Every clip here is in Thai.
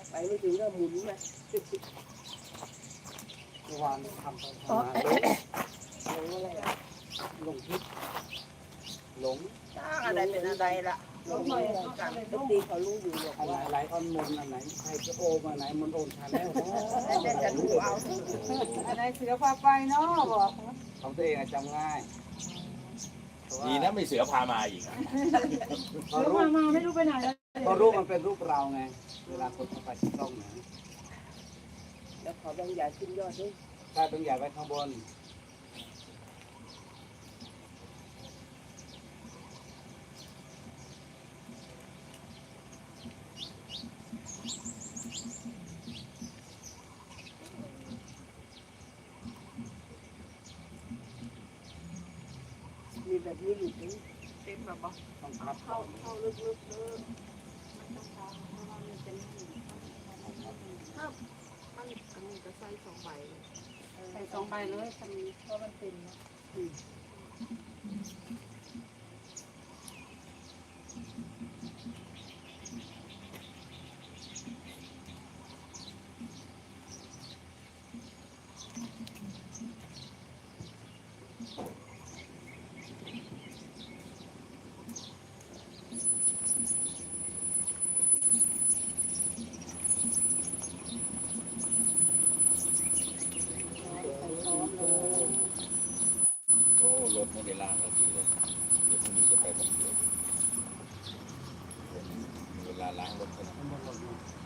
ไปไม่ถึงก็หมุนมาเมื่อวานทำหลงอะไรอ่ะหลงทิศหลงอะไรเป็นอะไรล่ะหลงอะไรกันทุกทีเขารู้อยู่หรอกอันไหนว่าไหลออนมนอันไหนใครจะโอมอันไหนมันโอนชันแล้วแต่จะรู้เอาอะไรเสือพาไปเนาะบอกของตัวเองจำง่ายดีนะไม่เสือพามาอีกพอเสือรูพาปมาไม่รู้ไปไหนแล้วพอรูปมันเป็นรูปเราไงเวลาคนเข้าไปที่กล้องเนี่ยแล้วขอบางอย่างขึ้นยอดด้วยถ้าต้องอย่าไว้ข้างบนมีแบบนี้อยู่ถึงเต็มแบบว่าต้องพับเข้าลึกๆถ้ามันอันนี้จะใส่2 ใบใส่2 ใบเลยทำเพราะมันเต็มนะโอ้รถไม่ได้ล้างแล้วสิเลยเดี๋ยวพรุ่งนี้จะไปบำรุงมีเวลาล้างรถกันข้างบนหมดเลย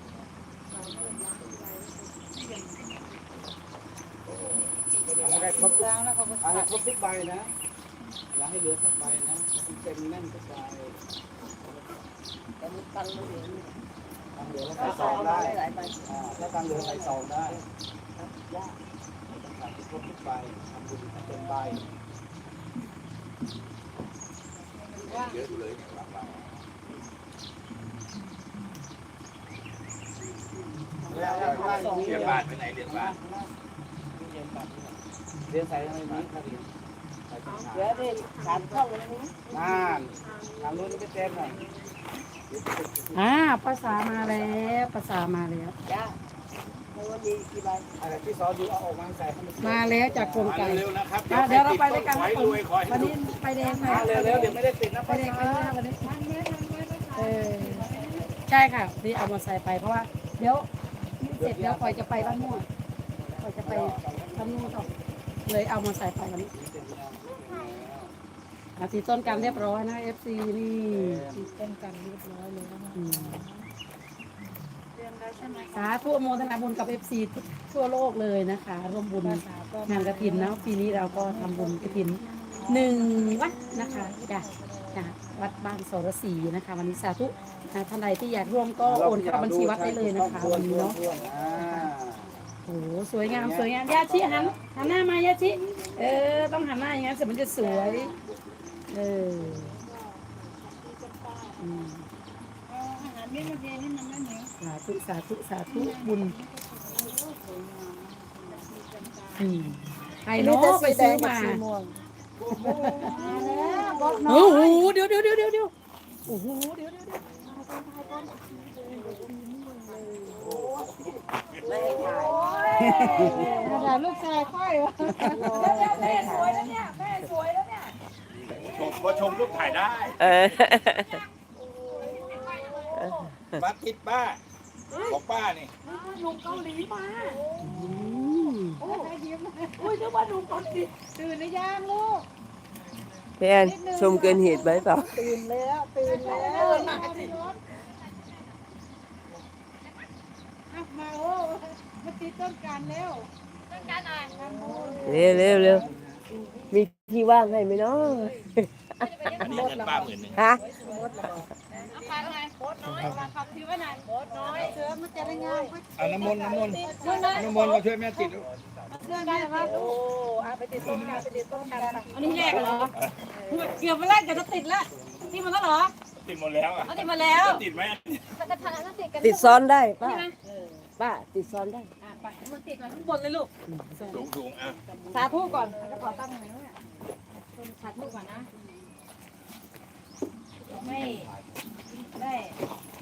โอ้ไม่ได้อะล้างไรครบทุกล้างแล้วเขาก็อะไรตัดครบทุกใบนะอย่าให้เหลือสักใบนะมันเต็มแน่นกระจายแต่มันตังไม่เหลือทางเหลือแล้วถ้าใส่ซเอาองมาได้หลายใบถ้าทางเหลือใส่ซองได้ยากต้องใส่ครบทุกใบทำบุญให้เต็มใบเยอะอยู่เลยเนี่ยล้างแล้วข้างล่างเรียนบ้านไปไหนเรียนบ้านเรียนใส่อะไรนี้ครับเรียนใส่ถุงเหลือได้3 ช่องเลยนะน่านทางนู้นไม่เต็มหน่อยภาษามาแล้วภาษามาแล้วจ้าในวันนี้กี่ใบอะไรที่ซอสอยู่เอาออกมาใส่ให้มันมาแล้วจากกรมไก่เร็วๆนะครับเดี๋ยวเราไปด้วยกันขอนะให้ผรมวยขอให้วันรวนี้ยไปแดงไหมเร็วๆเดี๋ยวไม่ได้ติดนะไปแดงไปด้วยวันนี้ใช่ค่ะนี่เอามาใส่ไปเพราะว่าเดี๋ยวเสร็จแล้วคอยจะไปบ้านม่วงคอยจะไปบ้านม่วงต่อเลยเอามาใส่ไปวันนี้ตีต้นกันเรียบร้อยนะ FC นี่ตีต้นกันเรียบร้อยเลยนะสาธุโมทนาบุญกับ FC ทั่วโลกเลยนะคะร่วมบุญงานกฐินนะปีนี้เราก็ทำบุญกฐิน1 วัดนะคะจ้ะวัดบ้านโสรศรีนะคะวันนี้สาธุท่านใดที่อยากร่วมก็โอนเข้าบัญชีวัดได้เลยนะคะวันนี้เนาะโอ้สวยงามสวยงามยาชิหันหน้ามายาชิต้องหันหน้าอย่างนั้นเสร็จมันจะสวยอาหารไม่มาเทให้มันไม่เหนียวสาธุบุญใครเนาะไปซื้อมาโอ้โหเดี๋ยวโอ้โหเดี๋ยวไม่ให้ถ่ายถ่ายลูกชายค่อยวะแม่สวยแล้วเนี่ยก็ชมรูปถ่ายได้มาติดป้าบอกป้านี่ลุงเกาหลีมาโอ้ยนึกว่าลุงเกาหลีตื่นหรือยังลูกพี่แอนชมเกินเหตุไหมเปล่าตื่นแล้วมาโอ้มาตีต้นกันแล้วต้นกันหน่อยเร็วมีที่ว่างให้ไหมเนาะอันนี้เงินป้า10,000 ฮะฟังไงโคตรน้อยขับถือว่าไหนโคตรน้อยเสือมันจะได้ง่ายเอาน้ำมนต์มาช่วยแม่ติดเรื่องได้ไหมโอ้ไปติดต้นกันอันนี้แรกเหรอเกือบมาแรกเกือบจะติดแล้วติดมาแล้วเหรอติดหมดแล้วอ่ะติดมาแล้วติดไหมติดซ้อนได้ป้าติดซ้อนได้ไปมันติดมาข้างบนเลยลูกสูงอ่ะสาธุก่อนจะขอตั้งไหนเนี่ยสาธุก่อนนะไม่ได้